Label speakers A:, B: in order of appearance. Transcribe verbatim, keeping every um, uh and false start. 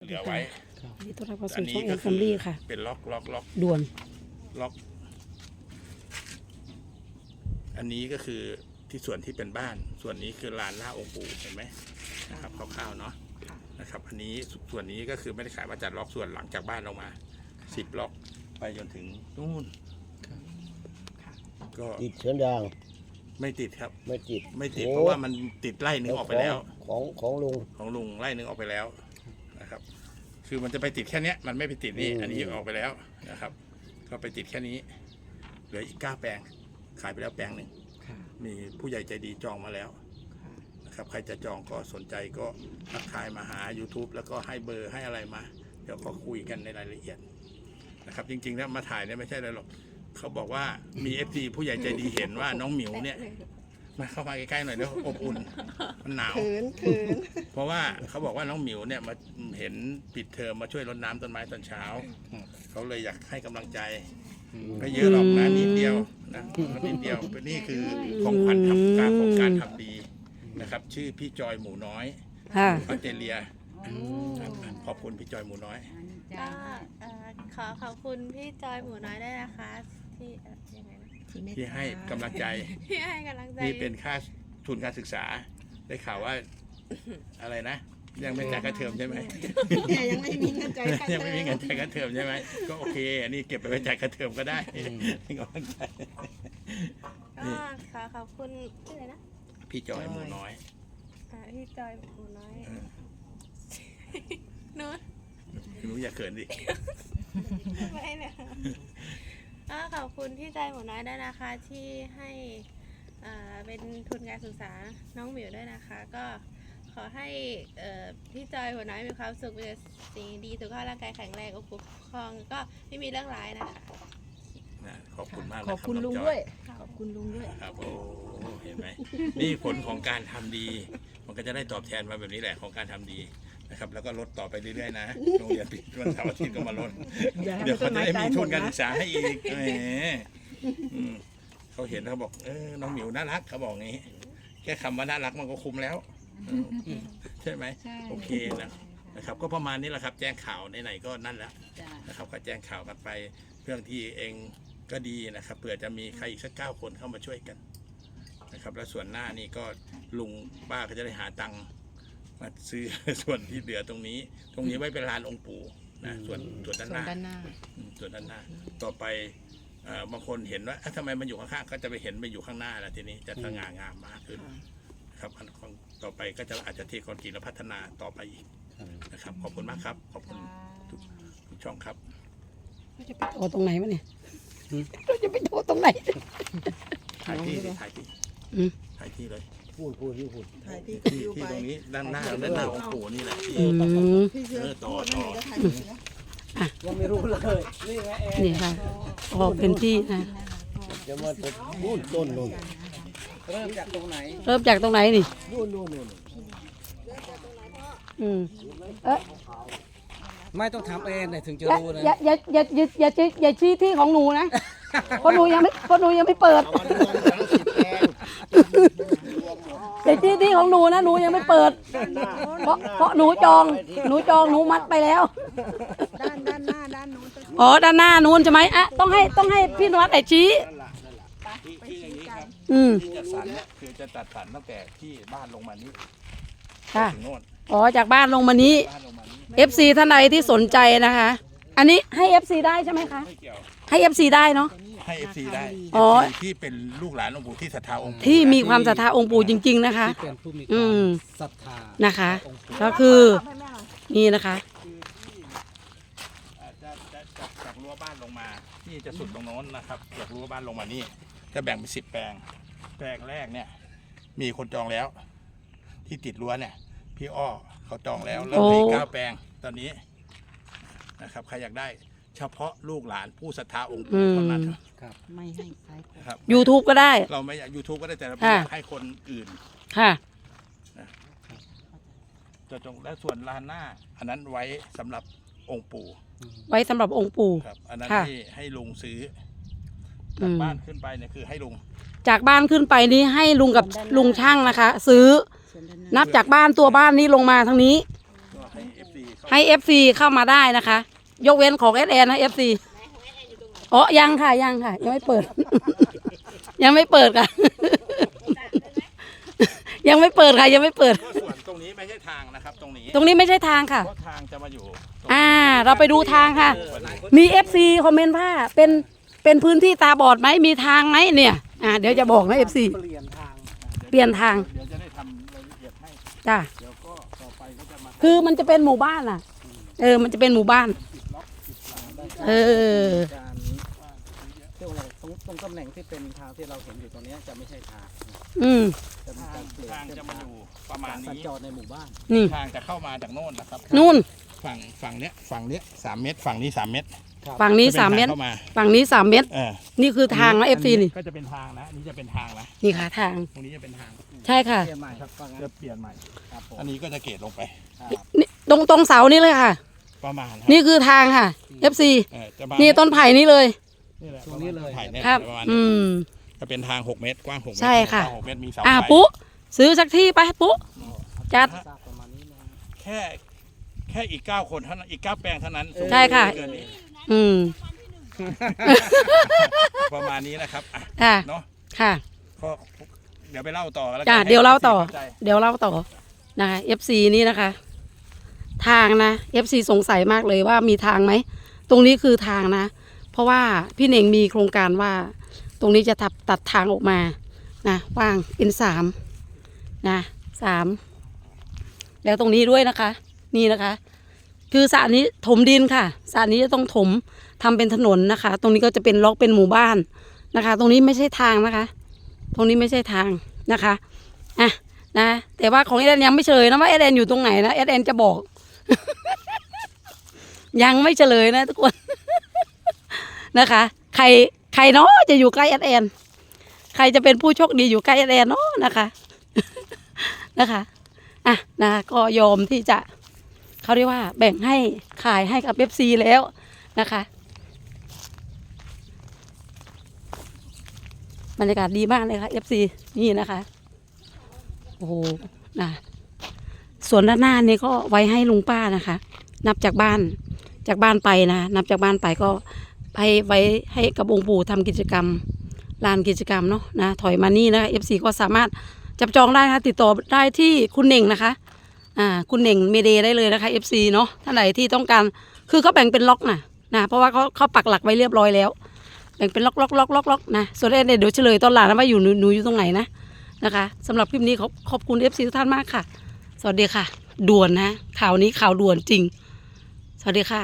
A: เหลือไว้
B: นี่ต้อนรับเข้าสู่ช่องเอ็มแฟมิลี่ค่ะ
A: เป็นล็อกล็อกล็อก
B: ด่วน
A: ล็อกอันนี้ก็คือที่ส่วนที่เป็นบ้านส่วนนี้คือลานหน้าองค์ปู่เห็นไหมนะครับคร่าวๆเนาะนะครับอันนี้ส่วนนี้ก็คือไม่ได้ขายมาจัดล็อกส่วนหลังจากบ้านลงมาสิบล็อกไปจนถึงนู่นก็
C: ติดเชื้อยาง
A: ไม่ติดครับ
C: ไม่ติด
A: ไม่ติดเพราะว่ามันติดไล่หนึ่งออกไปแล้ว
C: ของของลุง
A: ของลุงไล่หนึ่งออกไปแล้วนะครับคือมันจะไปติดแค่นี้มันไม่ไปติดนี่อันนี้ออกไปแล้วนะครับก็ไปติดแค่นี้เหลืออีกเก้าแปลงขายไปแล้วแปลงหนึ่งมีผู้ใหญ่ใจดีจองมาแล้วนะครับใครจะจองก็สนใจก็ทักทายมาหา YouTube แล้วก็ให้เบอร์ให้อะไรมาเดี๋ยวก็คุยกันในรายละเอียดนะครับจริงๆแล้วมาถ่ายเนี่ยไม่ใช่อะไรหรอกเขาบอกว่ามี เอฟ ซี ผู้ใหญ่ใจดีเห็นว่าน้องหมิวเนี่ยมาเข้ามาใกล้ๆหน่อยเดี๋ยวอบอุ่นมันหนาวเพราะว่าเขาบอกว่าน้องหมิวเนี่ยมาเห็นปิดเทอมมาช่วยรดน้ำต้นไม้ตอนเช้าเขาเลยอยากให้กำลังใจไม่เยอะหรอกนะนิดเดียวนะนิดเดียวนี่คือของขวัญทำการของการทำดีนะครับชื่อพี่จอยหมูน้อยออสเตรเลียขอบคุณพี่จอยหมูน้อย
D: ก็ขอขอบคุณพี่จอยหมูน้อยด้วยนะคะที่ยังไงนะ
A: ที่ให้กำลังใจ
D: ที่ให้กำลังใจ
A: นี่เป็นค่าทุนการศึกษาได้ข่าวว่าอะไรนะยังไม่จ่ายค่าเทอมใช่ไหม
E: ยังไม่มีเงินจ่ายค่าเทอม
A: ยังไม่มีเงินจ่ายค่าเทอมใช่ไหมก็โอเคอันนี้เก็บไปไว้จ่ายค่าเทอมก็ได้ก็
D: ขอขอบคุณชื่ออะไรนะ
A: พี่จอยหมูน้อย
D: พี่จอยหมูน้อยหนู
A: หนูอย่าเขินดิ
D: ไม่เลยก็ขอบคุณพี่จอยหมูน้อยด้วยนะคะที่ให้เป็นทุนการศึกษาน้องหมิวด้วยนะคะก็ขอให้พี่จอยหัวน้อยมีความสุขมีสิ่งดีสุขภาพร่างกายแข็งแรงอบอุ่นครองก็ไม่มีเรื่องร้ายนะคะ
A: ขอบคุณมาก
B: ขอบคุณลุงด้วยขอบคุณลุงด้วย
A: ครับโอ้เห็นไหมนี่ผลของการทำดีมันก็จะได้ตอบแทนมาแบบนี้แหละของการทำดีนะครับแล้วก็ลดต่อไปเรื่อยๆนะโรงเรียนปิดวันเสาร์อาทิตย์ก็มาลดเดี๋ยวเขาจะได้มีทุนการศึกษาให้อีกแหมเขาเห็นเขาบอกเออน้องหมิวน่ารักเขาบอกงี้แค่คำว่าน่ารักมันก็คุ้มแล้วใช่ไหมโอเคนะนะครับก็ประมาณนี้แหละครับแจ้งข่าวไหนๆก็นั่นแหละนะครับก็แจ้งข่าวกันไปเรื่องที่เองก็ดีนะครับเผื่อจะมีใครอีกสักเก้าคนเข้ามาช่วยกันนะครับแล้วส่วนหน้านี่ก็ลุงป้าก็จะได้หาตังค์มาซื้อส่วนที่เหลือตรงนี้ตรงนี้ไว้เป็นลานองค์ปู่นะส่วนส่วนด้านหน้าส่วนด้านหน้าต่อไปบางคนเห็นว่าทำไมมันอยู่ข้างๆก็จะไปเห็นไปอยู่ข้างหน้าแล้วทีนี้จะสง่างามมากขึ้นครับต่อไปก็จะอาจจะเทคอนกรีตและพัฒนาต่อไปอีกนะครับขอบคุณมากครับขอบคุณทุกช่องครับ
B: จะไปโทรตรงไหนวะเนี่ยเราจะไปโทรตรงไหน
A: ถ่ายที่ถ่ายที่ถ่ายที่เลย
C: พูดพูดที่พูด
E: ถ่ายที่
A: ที่ตรงนี้ด้านหน้าด้านหน้าองค์ปู่นี่แหละที่เออต่อต่อ
C: ยังไม่รู้เลยนี่ไงเอง
B: นี่ค่ะออกเป็นที่นะ
C: จะมาต้นต้นนู่นเริ่มจากตรงไหน
B: เริ่มจากตรงไหนนี่
C: นู่นนู่นนู่น
B: อืมเอ๊ะ
C: ไม่ต้องทำเองเลยถึงจะรู้นะ
B: อย่าอย่าอย่าอย่าอย่าชี้อย่าชี้ที่ของหนูนะเพราะหนูยังไม่เพราะหนูยังไม่เปิดอย่าชี้ที่ของหนูนะหนูยังไม่เปิดเพราะเพราะหนูจองหนูจองหนูมัดไปแล้ว
E: ด้านด้านหน้าด้านนู้น
B: อ๋อด้านหน้านู้นใช่ไหมอ่ะต้องให้ต้องให้พี่นวัดแต่ชี้
A: ที่อย่างนี้ครับที่จัดสรรเนี่ยคือจะจัดสรรตั้งแต่ที่บ้านลงมานี้
B: ค่ะอ๋อจากบ้านลงมานี้ เอฟ ซี ท่านใดที่สนใจนะคะอันนี้ให้ เอฟ ซี ได้ใช่ไหมคะให้ เอฟ ซี ได้เนาะ
A: ให้ เอฟ ซี ได้
B: อ๋อ
A: ที่เป็นลูกหลานองค์ปู่ที่ศรัทธาองค์ปู่
B: ที่มีความศรัทธาองค์ปู่จริงๆนะคะ
C: ที่เป็นผู้มีความศรัทธา
B: นะคะก็คือนี่นะคะ
A: จะจะจากรั้วบ้านลงมานี่จะสุดตรงโน้นนะครับจากรั้วบ้านลงมานี่จะแบ่งเป็นสิบแปลงแปลงแรกเนี่ยมีคนจองแล้วที่ติดรั้วเนี่ยพี่อ้อเขาจองแล้วแล้วมีเก้าแปลงตอนนี้นะครับใครอยากได้เฉพาะลูกหลานผู้ศรัทธาองค์ปู่เท่านั้น
C: ครับ
E: ไม่ให้ใคร
A: ครับ
B: YouTube ก็ได้
A: เราไม่อยาก YouTube ก็ได้แต่เราอยากให้คนอื่น
B: ค่ะ
A: จะจงและส่วนลานหน้าอันนั้นไว้สำหรับองค์ปู่
B: ไว้สำหรับองค์ปู่
A: ครับอันนั้นให้ให้ลุงซื้อจากบ้านขึ้นไปเนี่ยคือให้ลุง
B: จากบ้านขึ้นไปนี้ให้ลุงกับลุงช่างนะคะซื้อนับจากบ้านตัวบ้านนี้ลงมาทางนี้
A: ก็ให้ เอฟ ซี เข้า
B: ให้ เอฟ ซี เข้ามาได้นะคะ ยกเว้นของ เอส แอน นะ เอฟ ซี อ๋อยังค่ะยังค่ะยังไม่เปิด ยังไม่เปิดค่ะ ยังไม่เปิดค่ะยังไม่เปิด
A: ก็ส่วนตรงนี้ไม่ใช่ทางนะครับ ตรงนี้
B: ตรงนี้ไม่ใช่ทางค่ะ
A: เพราะทางจะมาอยู่ตรง
B: อ่า เราไปดูทางค่ะ มี เอฟ ซี คอมเมนต์ว่าเป็นเป็นพื้นที่ตาบอดไหมมีทางไหมเนี่ย อ่าเดี๋ยวจะบอกนะ เอฟ ซี
C: เปลี่ยนทาง
B: เปลี่ยนทาง
A: เดี๋ยวจะได้ทำรายละเอียดให้
B: จ้ะ
A: เดี๋ยวก็ต่อไปก็จะมา
B: คือมันจะเป็นหมู่บ้านอ่ะ เออ มันจะเป็นหมู่บ้าน เออ
C: การเรียกว่าอะไรตรงตรงตำแหน่งที่เป็นทางที่เราเห็นอยู่ตรงเนี้ยจะไม่ใช่ทาง
B: อืม
C: จะมีการเปลี่ยน
A: ทาง
C: เส้น
A: จะมา
C: ทาง
A: อยู่ประมาณ
C: สัญ
A: นี้
C: จรในหมู่บ้าน
B: นี่
A: ทางจะเข้ามาจากโน่นนะครับ
B: นู่น
A: ฝั่งฝั่งเนี้ยฝั่งเนี้ยสามเมตร ฝั่งนี้สามเมตร
B: ฝั่งนี้
A: จะป็
B: สามเมตร
A: ทงเข้ามา
B: ฝั่งนี้สามเมตร
A: เออ
B: นี่คือทางนะ เอฟ ซี นี่
A: ก็จะเป็นทางนะอันนี้จะเป็นทางนะ
B: นี่ค่ะทาง
A: ตรงนี้จะเป็นทาง
B: ใช่ค่ะ
C: เปลี่ยนใหม่ครับว่างั้น
A: จะเปลี่ยนใหม่
C: ครับผม
A: อันนี้ก็จะเกตลงไป
C: ครับ
B: นี่ตรงตรงเสานี่เลยค่ะ
A: ประมาณ
B: นี่คือทางค่ะ เอฟ ซี
A: เออจะมา
B: นี่ต้นไผ่นี่เลย
A: นี่แหละ
C: ตรงนี้เลย
A: ไผ่เนี่ย
B: ครับ
A: ประมาณ
B: อื
A: นี้
B: ม
A: จะเป็นทางหกเมตรกว้างหกเมตร
B: ใช่ค่ะ
A: กว้างหกเมตรมีเสา
B: อ่า
A: ไฟ
B: ปุ๊ซื้อสักที่ไปปุ๊จัด
C: ทราบประมาณนี้นะ
A: แค่แค่อีกเก้าคนเท่านั้นอีกเก้าแปลงเท่านั้น
B: ใช่ค่ะ
A: เกินนี้
B: อืม
A: ประมาณนี้นะครับอ่ะ
B: ค่ะ
A: เนาะ
B: ค่ะ
A: ก็เดี๋ยวไปเล่าต่อแล้วกัน
B: จ้ะ
A: ให้
B: เดี๋ยวเล่าต่อ
A: ข้ใจ
B: เดี๋ยวเล่าต่อนะคะ เอฟ ซี นี่นะคะ ทางนะ เอฟ ซี สงสัยมากเลยว่ามีทางไหม ตรงนี้คือทางนะ เพราะว่าพี่เน่งมีโครงการว่า ตรงนี้จะตัดตัดทางออกมานะว่างเป็นสามนะสามแล้วตรงนี้ด้วยนะคะ นี่นะคะ คือสระนี้ถมดินค่ะสระนี้จะต้องถมทำเป็นถนนนะคะ ตรงนี้ก็จะเป็นล็อกเป็นหมู่บ้านนะคะ ตรงนี้ไม่ใช่ทางนะคะ ตรงนี้ไม่ใช่ทางนะคะอ่ะนะ แต่ว่าของเอเดนยังไม่เฉลยนะว่าเอเดนอยู่ตรงไหนนะเอเดนจะบอก ยังไม่เฉลยนะทุกคน นะคะ ใครใครเนาะจะอยู่ใกล้เอเดนใครจะเป็นผู้โชคดีอยู่ใกล้เอเดนเนาะนะคะ นะคะอ่ะนะก็ยอมที่จะเขาเรียกว่าแบ่งให้ขายให้กับเอฟซีแล้วนะคะบรรยากาศดีมากเลยค่ะเอฟซีนี่นะคะโอ้โหนะส่วนด้านหน้านี่ก็ไว้ให้ลุงป้านะคะ นับจากบ้านจากบ้านไปนะนับจากบ้านไปก็ไปไว้ให้กับองค์ปู่ทำกิจกรรมลานกิจกรรมเนาะนะถอยมานี่นะคะเอฟซีก็สามารถจับจองได้นะคะติดต่อได้ที่คุณเน่งนะคะอ่าคุณเน่งเมเดได้เลยนะคะ เอฟ ซี เนาะท่านไหนที่ต้องการคือเขาแบ่งเป็นล็อกนะนะเพราะว่าเขาเขาปักหลักไว้เรียบร้อยแล้วแบ่งเป็นล็อกล็อกล็อกล็อกล็อกนะส่วนเดี๋ยวเฉลยตอนหลังนะว่าอยู่หนูหนูอยู่ตรงไหนนะนะคะสำหรับคลิปนี้ขอบขอบคุณ เอฟ ซี ทุกท่านมากค่ะสวัสดีค่ะด่วนนะข่าวนี้ข่าวด่วนจริงสวัสดีค่ะ